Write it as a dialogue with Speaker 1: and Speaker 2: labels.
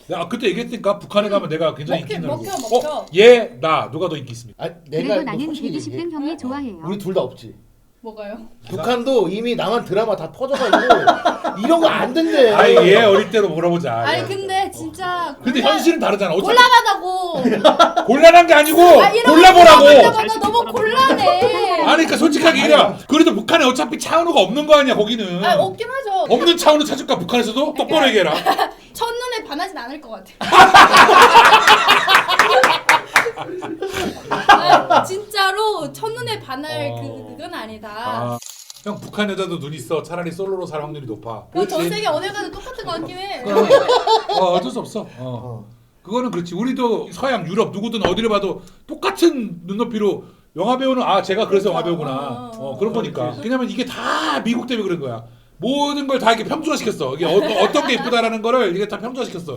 Speaker 1: 야 그때 얘기했으니까 북한에 가면 내가 굉장히 인기 있는 얼굴.
Speaker 2: 먹혀.
Speaker 1: 얘 나 누가 더 인기 있습니까?
Speaker 3: 아,
Speaker 4: 그래도
Speaker 3: 내가
Speaker 4: 나는
Speaker 3: 솔직히
Speaker 4: 120등
Speaker 3: 얘기해.
Speaker 4: 형이 좋아해요.
Speaker 3: 우리 둘 다 없지.
Speaker 2: 뭐가요?
Speaker 3: 북한도 이미 남한 드라마 다 터져가지고 이런 거 안 된대.
Speaker 1: 아니 얘 어릴 때로 물어보자.
Speaker 2: 아니
Speaker 1: 얘.
Speaker 2: 근데 진짜
Speaker 1: 근데 현실은 다르잖아. 어차피
Speaker 2: 곤란하다고.
Speaker 1: 곤란한 게 아니고
Speaker 2: 이런
Speaker 1: 골라보라고.
Speaker 2: 거 너무 곤란해.
Speaker 1: 아니 그러니까 솔직하게 얘기해. 그래도 북한에 어차피 차은우가 없는 거 아니야 거기는.
Speaker 2: 아 없긴 하죠.
Speaker 1: 없는 차은우 찾을까 북한에서도? 똑바로 얘기해라.
Speaker 2: 첫눈에 반하진 않을 것 같아. 아, 진짜로 첫눈에 반할 그건 아니다.
Speaker 1: 아, 형 북한 여자도 눈 있어. 차라리 솔로로 살 확률이 높아.
Speaker 2: 전 세계 어딜 가도 똑같은 것 같긴 해.
Speaker 1: 어쩔 수 없어. 그거는 그렇지. 우리도 서양, 유럽 누구든 어디를 봐도 똑같은 눈높이로 영화 배우는 제가 그래서 영화 배우구나. 그런 거니까. 왜냐면 이게 다 미국 때문에 그런 거야. 모든 걸 다 이렇게 평준화시켰어. 이게 어떤 게 이쁘다라는 거를 이게 다 평준화시켰어.